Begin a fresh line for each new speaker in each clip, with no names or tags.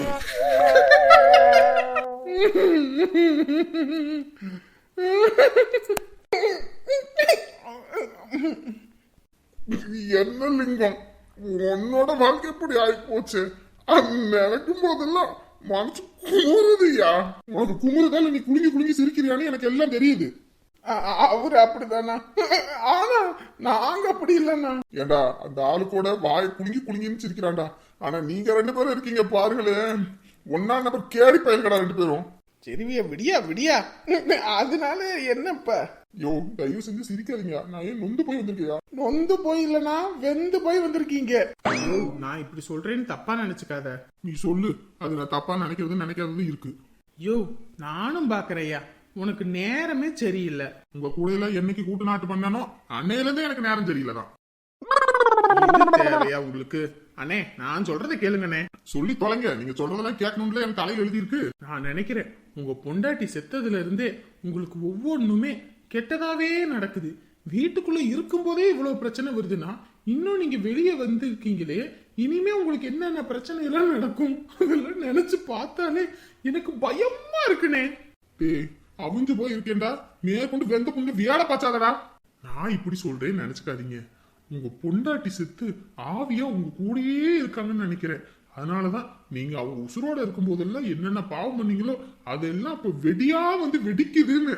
என்ன லிங்கம், உன்னோட வாழ்க்கை எப்படி ஆயிப்போச்சு? நினைக்கும் போதெல்லாம் மனசு குமுறுதுயா. உனக்கு குமுறுதால நீ குலுங்கி குலுங்கி சிரிக்கிறியான்னு எனக்கு எல்லாம் தெரியுது. அவரு அப்படிதானா? ஆனா நாங்க அப்படி இல்லைண்ணா. ஏண்டா அந்த ஆளு கூட வாய் குலுங்கி குலுங்கின்னு சிரிக்கிறான்டா. ஆனா நீங்க 2 பேரும் இருக்கீங்க பாருங்களேன், ஒன்னா நபர் கேடி பயல்கடா 2 பேரும்.
சரிவியா, விடியா விடியா. அதனால என்னப்ப?
யோ தயவு செஞ்சு சிரிக்காதீங்க. நான் ஏன் நொந்து போய் வந்திருக்கியா?
நொந்து போய் இல்லனா வெந்து போய் வந்திருக்கீங்க. நான் இப்படி சொல்றேன்னு தப்பா நினைச்சுக்காத.
நீ சொல்லு, அது நான் தப்பா நினைக்காதது இருக்கு.
யோ நானும் பாக்குறையா, உனக்கு நேரமே சரியில்லை.
உங்க கூட எல்லாம் என்னைக்கு கூட்டு நாட்டு பண்ணானோ அன்னையில இருந்தே எனக்கு நேரம் சரியில்லைதான்.
தேவையா உங்களுக்கு? அண்ணே நான் சொல்றதை கேளுங்கண்ணே.
சொல்லி தொலைங்க. நீங்க சொல்றதெல்லாம் கேட்கணும்ல எனக்கு தலையில் எழுதி இருக்கு.
நான் நினைக்கிறேன் உங்க பொண்டாட்டி செத்ததுல இருந்தே உங்களுக்கு ஒவ்வொன்றுமே கெட்டதாவே நடக்குது. வீட்டுக்குள்ள இருக்கும் போதே இவ்வளவு பிரச்சனை வருதுன்னா இன்னும் நீங்க வெளியே வந்து இருக்கீங்களே, இனிமே உங்களுக்கு என்னென்ன பிரச்சனை எல்லாம் நடக்கும் அதெல்லாம் நினைச்சு பார்த்தாலே எனக்கு பயமா இருக்குனே.
அவிஞ்சு போய் இருக்கேன்டா, மேற்கொண்டு வெந்த பொண்ணு வியாட பாச்சாதடா. நான் இப்படி சொல்றேன்னு நினைச்சுக்காதீங்க. உங்க பொண்டாட்டி செத்து ஆவியா உங்க கூடயே இருக்காங்கன்னு நினைக்கிறேன். அதனாலதான் நீங்க அவ உசுரோட இருக்கும் போதெல்லாம் என்னென்ன பாவம் பண்ணீங்களோ அதெல்லாம் இப்ப வெடியா வந்து வெடிக்குதுன்னு.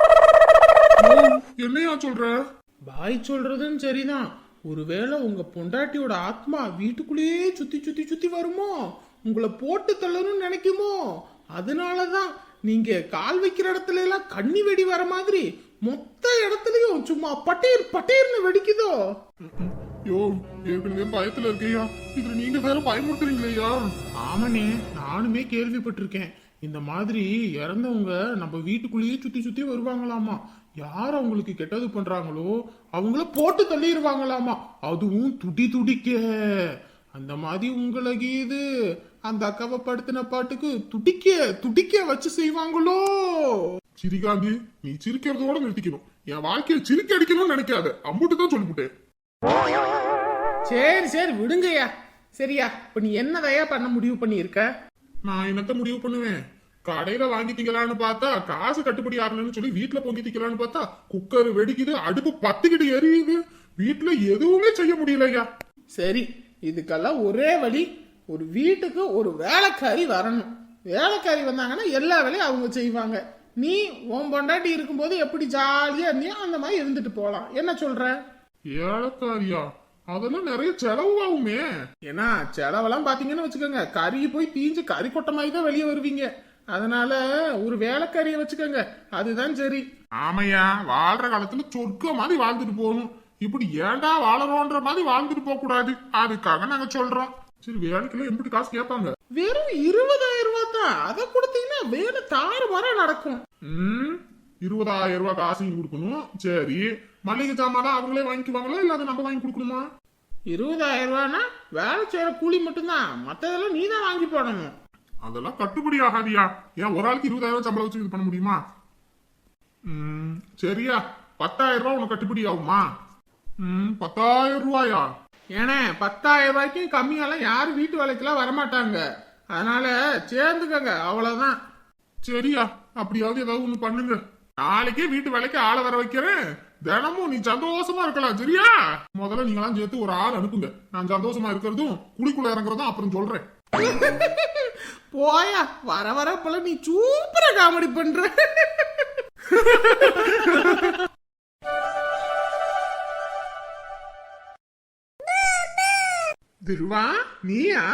என்னையா சொல்ற?
பாய் சொல்றதும் சரிதான். ஒருவேளை உங்க பொண்டாட்டியோட ஆத்மா வீட்டுக்குள்ளேயே சுத்தி சுத்தி சுத்தி வருமோ, உங்களை போட்டு தள்ளணும்னு நினைக்குமோ, அதனாலதான் நீங்க கால் வைக்கிற இடத்துல எல்லாம் கண்ணி வெடி வர மாதிரி மொத்த இடத்துலயும் சும்மா பட்டீர் பட்டீர்னு வெடிக்குதோ.
யோ ஏற்கனவே பயத்துல இருக்கையா, இதுல நீங்க வேற பயமுறுத்துறீங்களா?
ஆமாண்ணே, நானுமே கேள்விப்பட்டிருக்கேன். இந்த மாதிரி இறந்தவங்க நம்ம வீட்டுக்குள்ளேயே சுத்தி சுத்தி வருவாங்களாமா. யார் அவங்களுக்கு கெட்டது பண்றாங்களோ அவங்கள போட்டு தள்ளிடுவாங்களாமா, அதுவும் துடி துடிக்க. அந்த மாதிரி உங்களுக்கு இது அந்த அக்காவை படுத்தின பாட்டுக்கு துடிக்க துடிக்க வச்சு செய்வாங்களோ.
சிரிகாந்தி, நீ சிரிக்கிறதோட நிறுத்திக்கணும். என் வாழ்க்கையை சிரிக்க அடிக்கணும்னு நினைக்காத. அம்புட்டு தான் சொல்லிவிட்டேன்.
சரி சரி விடுங்கய்யா. சரியா, இப்ப நீ என்னதையா பண்ண முடிவு பண்ணிருக்க?
நான் என்னத்த முடிவு பண்ணுவேன்? கடையில வாங்கி திங்கலான்னு பார்த்தா காசு கட்டுப்படி ஆகலன்னு சொல்லி வீட்டுல பொங்கி திக்கலான்னு பார்த்தா குக்கர் வெடிக்குது, அடுப்பு பத்துக்கிட்டு எரியுது. வீட்டுல எதுவுமே செய்ய முடியலையா.
சரி, இதுக்கெல்லாம் ஒரே வழி, ஒரு வீட்டுக்கு ஒரு வேலைக்காரி வரணும். வேலைக்காரி வந்தாங்கன்னா எல்லா வேலையும் அவங்க செய்வாங்க. நீ உன் பொண்டாட்டி இருக்கும்போது எப்படி ஜாலியா இருந்தியோ அந்த மாதிரி இருந்துட்டு போலாம். என்ன சொல்ற?
வேலைக்காரியா? அதெல்லாம் நிறைய செலவாகுமே.
ஏன்னா செலவெல்லாம் பாத்தீங்கன்னு வச்சுக்கோங்க, கறி போய் தீஞ்சு கறி கொட்ட மாதிரி தான் வெளியே வருவீங்க. அதனால ஒரு வேலைக்காரியை வச்சுக்கோங்க, அதுதான் சரி.
ஆமையா, வாழ்ற காலத்துல சொர்க்க மாதிரி வாழ்ந்துட்டு போகணும். இப்படி ஏண்டா வாழறோன்ற மாதிரி வாழ்ந்துட்டு போக கூடாது. அதுக்காக நாங்க சொல்றோம். சரி, வேலைக்குள்ள எப்படி காசு கேட்பாங்க?
வெறும் 20,000 ரூபாய் தான். அதை கொடுத்தீங்கன்னா வேலை தாறுமாறா நடக்கும்.
20,000 ரூபாய் காசையும் கொடுக்கணும். சரி, மளிகை சாமான் அவங்களே வாங்கிக்குவாங்களா இல்ல அதை நம்ம வாங்கி கொடுக்கணுமா?
20,000 ரூபாய்னா வேலை செய்யற கூலி மட்டும்தான், மத்ததெல்லாம் நீ தான் வாங்கி போடணும்.
அதெல்லாம் கட்டுப்படி ஆகாதியா. ஏன் ஒரு ஆளுக்கு 20,000 சம்பளம் வச்சு இது பண்ண முடியுமா? சரியா, 10,000 ரூபாய் உனக்கு கட்டுப்படி ஆகுமா? 10,000 ரூபாயா?
ஏன்னா 10,000 ரூபாய்க்கும் கம்மியாலாம் யாரும் வீட்டு வேலைக்கெல்லாம் வரமாட்டாங்க. அதனால சேர்ந்துக்கங்க, அவ்வளவுதான்.
சரியா, அப்படியாவது ஏதாவது ஒண்ணு பண்ணுங்க. நாளைக்கே வீட்டு வேலைக்கு ஆளை வர வைக்கிறேன். தினமும் நீ சந்தோஷமா இருக்கலாம். சரியா? முதல்ல நீங்களாம் சேர்த்து ஒரு ஆள் அனுப்புங்க. நான் சந்தோஷமா இருக்கிறதும் குளிக்குள்ள இறங்குறதும் அப்புறம் சொல்றேன்.
போயா, வர வர போல நீ சூப்பரா காமெடி பண்ற. துருவா, நீயா?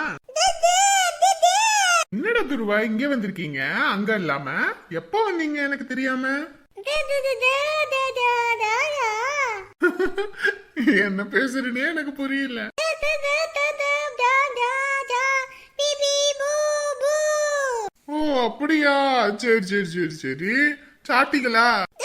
என்னடா துருவா இங்க வந்திருக்கீங்க, அங்க இல்லாம? எப்ப வந்தீங்க எனக்கு தெரியாம? என்ன பேசுறேனே எனக்கு புரியல. ஓ அப்படியா? சரி சரி சரி சரி, சாப்பிட்டீங்களா?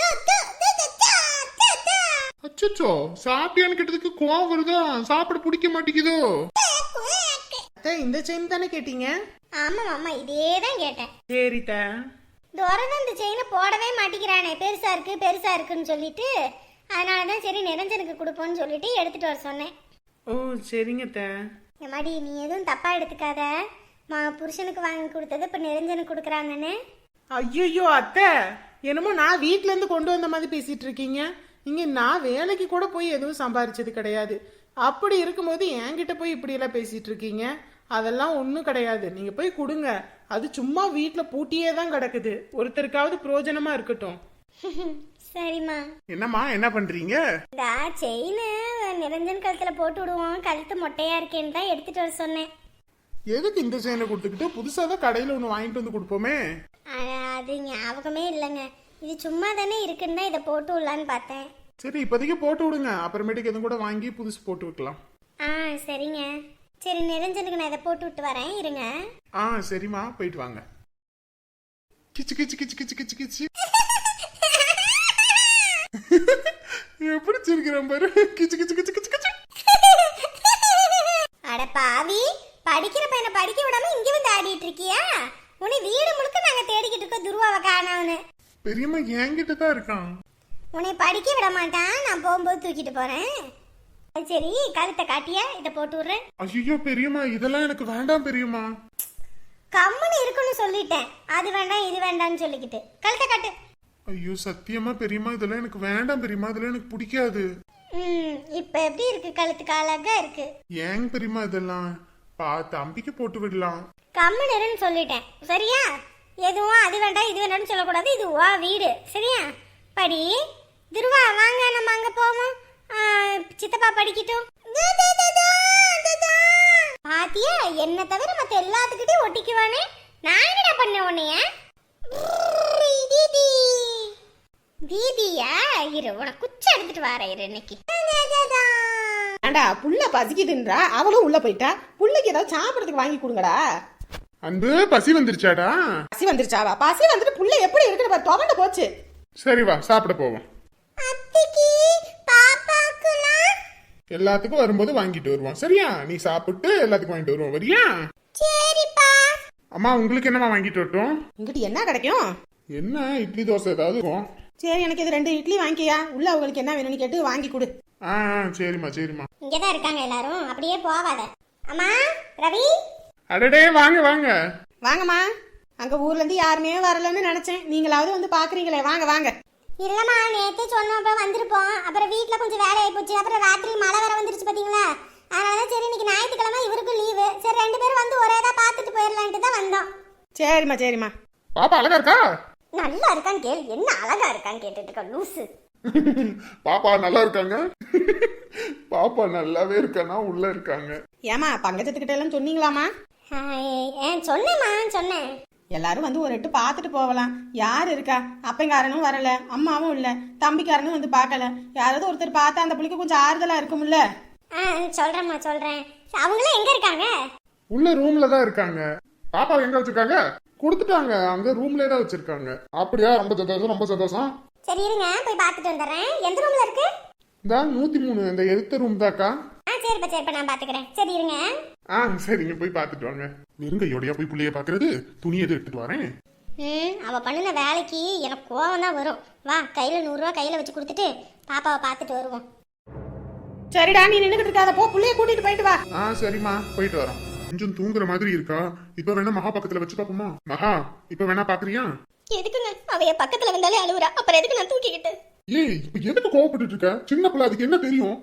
அச்சோ, சாப்பிட்டியான்னு கேட்டதுக்கு கோவம் வருதா? சாப்பிட பிடிக்க மாட்டேங்குதோ? இந்த செயின் தானே கேட்டீங்க?
ஆமா மாமா, இதேதான் கேட்டேன்.
சரிதா.
துரதான் இந்த செயினை போடவே மாட்டேங்கிறானே, பெருசா இருக்கு பெருசா இருக்குன்னு சொல்லிட்டு. அதனாலதான் சரி நிரஞ்சனுக்கு கொடுப்போம்னு சொல்லிட்டு எடுத்துட்டு வர சொன்னேன்.
ஓ சரிங்க.
இந்த மாதிரி நீ எதுவும் தப்பா எடுத்துக்காத. புருஷனுக்கு வாங்கி கொடுத்தது இப்ப நிரஞ்சனுக்கு கொடுக்குறாங்கன்னு.
ஐயோ அத்தை, என்னமோ நான் வீட்ல இருந்து கொண்டு வந்த மாதிரி பேசிட்டு இருக்கீங்க. இங்க நான் வேலைக்கு கூட போய் எதுவும் சம்பாரிச்சது கிடையாது. அப்படி இருக்கும்போது என்கிட்ட போய் இப்படி எல்லாம் பேசிட்டு இருக்கீங்க. அதெல்லாம் ஒண்ணும் கிடையாது. நீங்க போய் கொடுங்க. அது சும்மா வீட்ல பூட்டியே தான் கிடக்குது. ஒருத்தருக்காவது பிரயோஜனமா இருக்கட்டும்.
சரிம்மா.
என்னம்மா என்ன பண்றீங்க?
இந்த செயின் நிரஞ்சன் கழுத்துல போட்டு விடுவோம், கழுத்து மொட்டையா இருக்கேன்னு தான் எடுத்துட்டு வர சொன்னேன்.
எதுக்கு இந்த செயினை கொடுத்துக்கிட்டு புதுசா தான் கடையில ஒண்ணு வாங்கிட்டு வந்து கொடுப்போமே.
அது ஞாபகமே இல்லைங்க. இது சும்மா தானே இருக்குன்னு தான் இதை போட்டு விடலான்னு பார்த்தேன்.
சரி இப்போதைக்கு போட்டு விடுங்க, அப்புறமேட்டுக்கு எதுவும் கூட வாங்கி புதுசு போட்டு வைக்கலாம்.
சரிங்க. சரி நிரஞ்சனுக்கு நான் இதை போட்டு விட்டு வரேன், இருங்க.
சரிம்மா போயிட்டு வாங்க. கிச்சு கிச்சு கிச்சு கிச்சு கிச்சு கிச்சு எப்படி சிரிக்கிறேன் பாரு. கிச்சு கிச்சு கிச்சு கிச்சு கிச்சு.
அட பாவி, படிக்கிற பையனை படிக்க விடாம இங்க வந்து ஆடிட்டு இருக்கியா? உன்னை வீடு முழுக்க நாங்க தேடிக்கிட்டு இருக்கோம் துருவாவை காணோம்னு.
பெரியம்மா என்கிட்ட தான் இருக்கான்.
உன்னை படிக்க விட மாட்டான், நான் போகும்போது தூக்கிட்டு போறேன். சரி கழுத்தை காட்டியா, இதை போட்டு விடுறேன்.
ஐயோ பெரியம்மா இதெல்லாம் எனக்கு வேண்டாம் பெரியம்மா.
கம்முன்னு இருக்குன்னு சொல்லிட்டேன். அது வேண்டாம் இது வேண்டாம்னு சொல்லிக்கிட்டு கழுத்தை காட்டு.
ஐயோ சத்தியமா பெரியம்மா இதெல்லாம் எனக்கு வேண்டாம் பெரியம்மா, இதெல்லாம் எனக்கு பிடிக்காது.
இப்ப எப்படி இருக்கு? கழுத்துக்கு அழகா இருக்கு.
ஏங்க பெரியம்மா இதெல்லாம் தம்பிக்கு போட்டு விடலாம்.
கம்முன்னு சொல்லிட்டேன் சரியா? எதுவும் அது வேண்டாம் இது வேண்டாம்னு சொல்லக்கூடாது. இது வா வீடு சரியா? படி துருவா, வாங்க நம்ம அங்க போவோம். சித்தப்பா படிக்கட்டும். பாத்தியா, என்ன தவிர மத்த எல்லாத்துக்கிட்டையும் ஒட்டிக்குவானே. நான் என்னடா பண்ண உன்னைய? தீதி தீதியா, இரு உனக்கு குச்சி எடுத்துட்டு வர இரு இன்னைக்கு.
ஏண்டா புள்ள பசிக்குதுன்றா, அவளும் உள்ள போயிட்டா. புள்ளைக்கு ஏதாவது சாப்பிடறதுக்கு வாங்கி கொடுங்கடா.
அன்பு பசி வந்துருச்சாடா?
பசி வந்துருச்சாவா? பசி வந்துட்டு புள்ள எப்படி இருக்குன்னு பாரு, துவண்டு போச்சு.
சரி வா சாப்பிட போவோம்.
அத்திக்கு பாப்பாக்குலாம்
எல்லாத்துக்கும் வரும்போது வாங்கிட்டு வருவோம் சரியா? நீ சாப்பிட்டு எல்லாத்துக்கும் வாங்கிட்டு வருவோம் வரியா?
சரிப்பா.
அம்மா உங்களுக்கு என்னமா வாங்கிட்டு வரட்டும்?
இங்கிட்டு என்ன கிடைக்கும்?
என்ன இட்லி தோசை ஏதாவது இருக்கும்?
சரி எனக்கு இது 2 இட்லி வாங்கியா. உள்ள அவங்களுக்கு என்ன வேணும்னு கேட்டு வாங்கி கொடு.
சரிம்மா சரிம்மா.
இங்கதான் இருக்காங்க எல்லாரும், அப்படியே போவாத. அம்மா ரவி.
அடடே வாங்க வாங்க
வாங்கம்மா. அங்க ஊர்ல இருந்து யாருமே வரலன்னு நினைச்சேன். நீங்களாவது வந்து பாக்குறீங்களே, வாங்க வாங்க.
இல்லம்மா நேத்தே சொன்னோம் வந்திருப்போம். அப்புறம் வீட்டுல கொஞ்சம் வேலை ஆகி போச்சு. அப்புறம் ராத்திரி மழை வர வந்துருச்சு பாத்தீங்களா? அதனாலதான் சரி இன்னைக்கு ஞாயிற்றுக்கிழமை இவருக்கும் லீவு. சரி 2 பேரும் வந்து ஒரேதான் பாத்துட்டு போயிடலான்ட்டு தான் வந்தோம்.
சரிம்மா சரிம்மா.
பாப்பா அழகா இருக்கா?
நல்லா இருக்கான்னு கேளு, என்ன அழகா இருக்கான்னு கேட்டுட்டு இருக்க லூசு.
பாப்பா நல்லா இருக்காங்க. பாப்பா நல்லாவே இருக்கானா உள்ள இருக்காங்க.
ஏமா பங்கஜத்துக்கிட்ட எல்லாம் சொன்னீங்களாமா?
சொன்னேம்மா சொன்னேன்.
எல்லாரும் வந்து ஒரு எட்டு பார்த்துட்டு போகலாம். யார் இருக்கா? அப்பங்காரனும் வரல, அம்மாவும் இல்ல, தம்பிக்காரனும் வந்து பார்க்கல. யாராவது ஒருத்தர் பார்த்தா அந்த பிள்ளைக்கு கொஞ்சம் ஆறுதலா இருக்கும்ல.
சொல்றேம்மா சொல்றேன். அவங்களும் எங்க இருக்காங்க?
உள்ள ரூம்ல தான் இருக்காங்க. பாப்பா எங்க வச்சிருக்காங்க? கொடுத்துட்டாங்க, அங்க ரூம்லயே தான் வச்சிருக்காங்க. அப்படியா? ரொம்ப சந்தோஷம் ரொம்ப சந்தோஷம்.
சரி இருங்க போய் பார்த்துட்டு வந்துடுறேன். எந்த ரூம்ல இருக்கு?
இந்த 103 இந்த எதிர்த்த ரூம் தாக்கா.
சரிப்பா நான் பாத்துக்கிறேன். சரி இருங்க.
சரிங்க போய் பார்த்துட்டு வாங்க. வெறுங்கையோடையா போய் புள்ளைய பாக்குறது? துணி எது எடுத்துட்டு வரேன்.
அவ பண்ணின வேலைக்கு எனக்கு கோவம் தான் வரும். வா கையில 100 ரூபா கையில வச்சு கொடுத்துட்டு பாப்பாவை பார்த்துட்டு வருவோம்.
சரிடா நீ நின்னுகிட்டு இருக்காத, போ புள்ளைய கூட்டிட்டு போயிட்டு வா.
சரிம்மா போயிட்டு வரோம். கொஞ்சம் தூங்குற மாதிரி இருக்கா. இப்ப வேணா மகா பக்கத்துல வச்சு பாப்போமா? மகா இப்ப வேணா பாக்குறியா?
எதுக்குங்க அவைய பக்கத்துல வந்தாலே அழுவுறா, அப்புறம் எதுக்கு நான் தூக்கிக்கிட்டு?
ஏய் இப்ப எதுக்கு கோவப்பட்டு இருக்க? சின்ன பிள்ளை, அதுக்கு என்ன தெரியும்?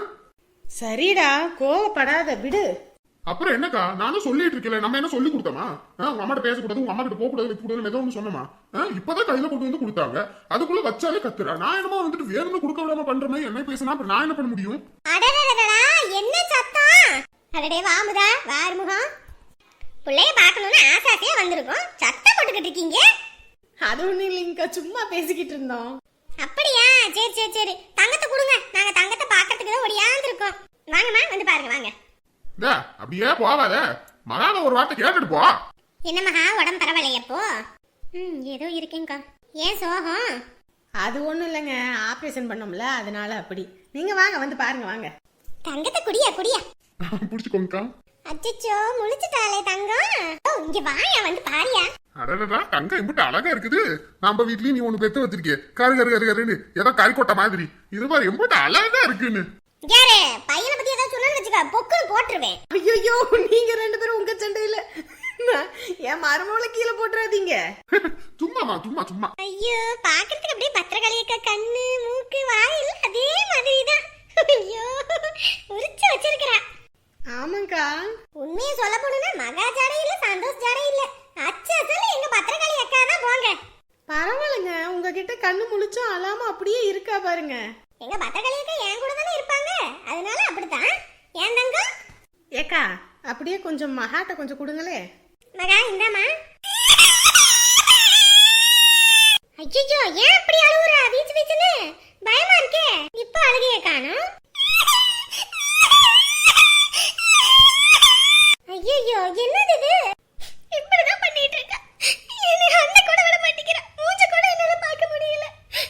சரிடா கோவப்படாத விடு.
அப்புறம் என்னக்கா, நானும் சொல்லிட்டு இருக்கல, நம்ம என்ன சொல்லி கொடுத்தோமா? உங்க அம்மாட்ட பேசக்கூடாது, உங்க அம்மா கிட்ட போக கூடாது, வைக்க கூடாது ஏதோ ஒண்ணு சொன்னோமா? இப்பதான் கையில கொண்டு வந்து கொடுத்தாங்க, அதுக்குள்ள வச்சாலே கத்துறா. நான் என்னமோ வந்துட்டு வேணும்னு கொடுக்க விடாம பண்ற மாதிரி என்ன பேசினா அப்புறம் நான் என்ன பண்ண முடியும்?
அடடடடடா என்ன சத்தம்? அடடே வாமுதா வாருமுகம். புள்ளைய பார்க்கணும்னு ஆசாசியா வந்திருக்கோம், சத்தம் போட்டுக்கிட்டு இருக்கீங்க.
அது ஒண்ணு இல்லைங்கக்கா, சும்மா பேசிக்கிட்டு இருந்தோம்.
அப்படியா? சரி சரி சரி, தங்கத்தை கொடுங்க, நாங்க தங்கத்தை பாக்கிறதுக்கு தான் ஓடியாந்து இருக்கோம். வாங்கம்மா வந்து பாருங்க வாங்க.
அப்படியே போவாத, மகாவை ஒரு வார்த்தை கேட்டுட்டு போ.
என்ன மகா உடம்பு பரவாயில்லையப்போ? ஏதோ இருக்கேங்கக்கா. ஏன் சோகம்?
அது ஒண்ணும் இல்லைங்க, ஆபரேஷன் பண்ணோம்ல அதனால அப்படி. நீங்க வாங்க வந்து பாருங்க வாங்க.
தங்கத்தை குடியா குடியா.
புடிச்சுக்கோங்கக்கா.
அச்சச்சோ முழிச்சிட்டாளே தங்கம். இங்க வாயா வந்து பாரியா.
அடடா தங்கம் இம்புட்டு அழகா இருக்குது. நம்ம வீட்லயும் நீ ஒண்ணு பெத்து வச்சிருக்கே, கரு கரு கரு கருன்னு ஏதோ கறிக்கொட்டை மாதிரி. இது மாதிரி எம்புட்டு அழகா இருக்குன்னு.
யாரே பையனை பத்தி ஏதாவது சொன்னு வச்சுக்க, பொக்குன்னு போட்டுருவேன்.
ஐயோ நீங்க 2 பேரும் உங்க சண்டையில என் மருமகளை கீழே போட்டுறாதீங்க.
சும்மாமா சும்மா சும்மா.
ஐயோ பாக்குறதுக்கு அப்படியே பத்திரகாளி அக்கா கண்ணு மூக்கு வாயில் அதே மாதிரி தான். ஐயோ உரிச்சு வச்சிருக்கிறா.
ஆமாக்கா.
உண்மையை சொல்ல போனா மகா ஜாடை இல்ல சந்தோஷ் ஜாடை இல்ல அச்சத்துல எங்க பத்திரகாளி அக்கா தான் போங்க.
பரவாயில்லைங்க, உங்ககிட்ட கண்ணு முழிச்சும் அழாம அப்படியே இருக்கா பாருங்க.
எங்க பத்திரகாளி அக்கா என் கூட தானே இருப்பாங்க, அதனால அப்படித்தான். ஏன் தங்கம்?
ஏக்கா அப்படியே கொஞ்சம் மகாட்ட கொஞ்சம் கொடுங்களே.
மகா இந்தாமா. ஐயோ ஏன் அப்படி அழுவுறா வீச்சு வீச்சுன்னு? பயமா இருக்கே. இப்ப அழுகைய காணோம். ஐயோ என்னது இது? இப்படிதான் பண்ணிட்டு இருக்கா. என்ன அண்ணன் கூட விட மாட்டேங்கிறா. மூஞ்ச கூட என்னால பார்க்க முடியல.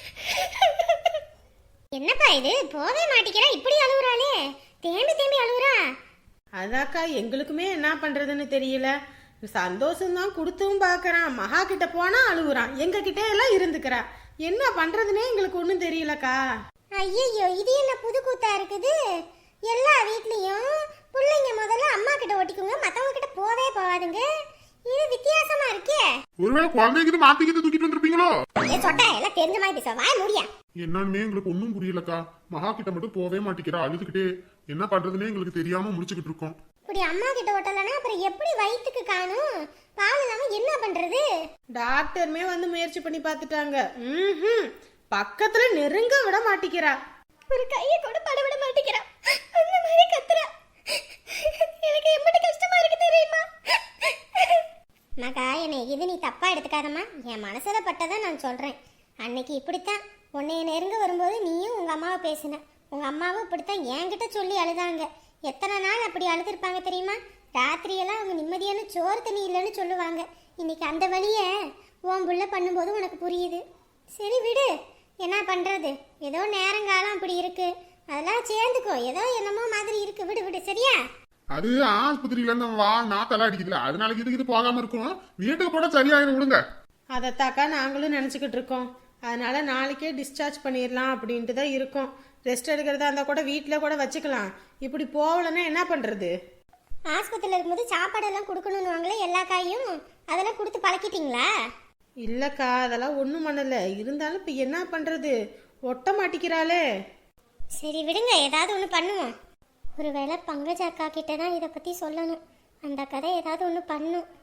என்னப்பா இது போவே மாட்டேங்கிறா, இப்படி அழுவுறாளே. தேம்பி தேம்பி அழுவுறா.
அதாக்கா எங்களுக்குமே என்ன பண்றதுன்னு தெரியல. சந்தோஷம்தான் கொடுத்தும் பாக்குறான், மகா கிட்ட போனா அழுகுறான், எங்க கிட்ட எல்லாம் இருந்துக்கிறா. என்ன பண்றதுன்னே எங்களுக்கு ஒண்ணும் தெரியலக்கா.
ஐயோ இது என்ன புது கூத்தா இருக்குது? எல்லா வீட்லயும் பிள்ளைங்க முதல்ல அம்மா கிட்ட ஓட்டிக்குங்க, மத்தவங்க கிட்ட போவே போவாதுங்க. இது வித்தியாசமா இருக்கே.
ஒருவேளை குழந்தைக்கு மாத்திக்கிட்டு தூக்கிட்டு வந்திருப்பீங்களோ?
ஏ சொட்டா எல்லாம் தெரிஞ்ச மாதிரி பேச வாய முடியா.
என்னன்னு எங்களுக்கு ஒன்னும் புரியலக்கா. மகா கிட்ட மட்டும் போவே மாட்டேங்கிறா, அழுதுகிட்டே. என்ன பண்றதுன்னே எங்களுக்கு தெரியாம முடிச்சுக்கிட்டு இருக்கோம்.
இப்படி அம்மா கிட்ட ஓட்டலனா அப்புறம் எப்படி வயிற்றுக்கு காணும்? பால் இல்லாம என்ன பண்றது?
டாக்டருமே வந்து முயற்சி பண்ணி பார்த்துட்டாங்க. பக்கத்துல நெருங்க விட மாட்டேங்கிறா.
ஒரு கையை கூட பட விட மாட்டேங்கிறா. அந்த மாதிரி கத்துறா. எனக்கு எப்படி கஷ்டமா இருக்கு தெரியுமா? மகா என்னை இது நீ தப்பா எடுத்துக்காதம்மா. என் மனசுல பட்டதை நான் சொல்றேன். அன்னைக்கு இப்படித்தான் உன்னைய நெருங்க வரும்போது நீயும் உங்க அம்மாவை பேசின. உங்க அம்மாவும் இப்படித்தான் என்கிட்ட சொல்லி அழுதாங்க. எத்தனை நாள் அப்படி அழுதுருப்பாங்க தெரியுமா? ராத்திரியெல்லாம் அவங்க நிம்மதியான சோறு தண்ணி இல்லைன்னு சொல்லுவாங்க. இன்னைக்கு அந்த வழிய உன் புள்ள பண்ணும்போது உனக்கு புரியுது. சரி விடு, என்ன பண்றது? ஏதோ நேரங்காலம் அப்படி இருக்கு, அதெல்லாம் சேர்ந்துக்கோ. ஏதோ என்னமோ மாதிரி இருக்கு, விடு விடு சரியா?
அது ஆஸ்பத்திரியில இருந்து வா நாத்தெல்லாம் அடிக்குதுல, அதனால இது போகாம இருக்கும். வீட்டுக்கு போட சரியாயிரும் விடுங்க.
அதைத்தாக்கா நாங்களும் நினச்சிக்கிட்டு இருக்கோம். அதனால நாளைக்கே டிஸ்சார்ஜ் பண்ணிடலாம் அப்படின்ட்டு தான் இருக்கோம். ரெஸ்ட் எடுக்கிறதா இருந்தால் கூட வீட்டில் கூட வச்சுக்கலாம். இப்படி போகலன்னா என்ன பண்ணுறது?
ஆஸ்பத்திரியில் இருக்கும்போது சாப்பாடெல்லாம் கொடுக்கணும்னுவாங்களே எல்லா காயும், அதெல்லாம் கொடுத்து பழக்கிட்டீங்களா?
இல்லைக்கா அதெல்லாம் ஒன்றும் பண்ணலை. இருந்தாலும் இப்போ என்ன பண்ணுறது? ஒட்ட மாட்டிக்கிறாளே.
சரி விடுங்க, ஏதாவது ஒன்று பண்ணுவோம். ஒருவேளை பங்கஜ அக்கா கிட்ட தான் இதை பற்றி சொல்லணும். அந்த கதை ஏதாவது ஒன்று பண்ணும்.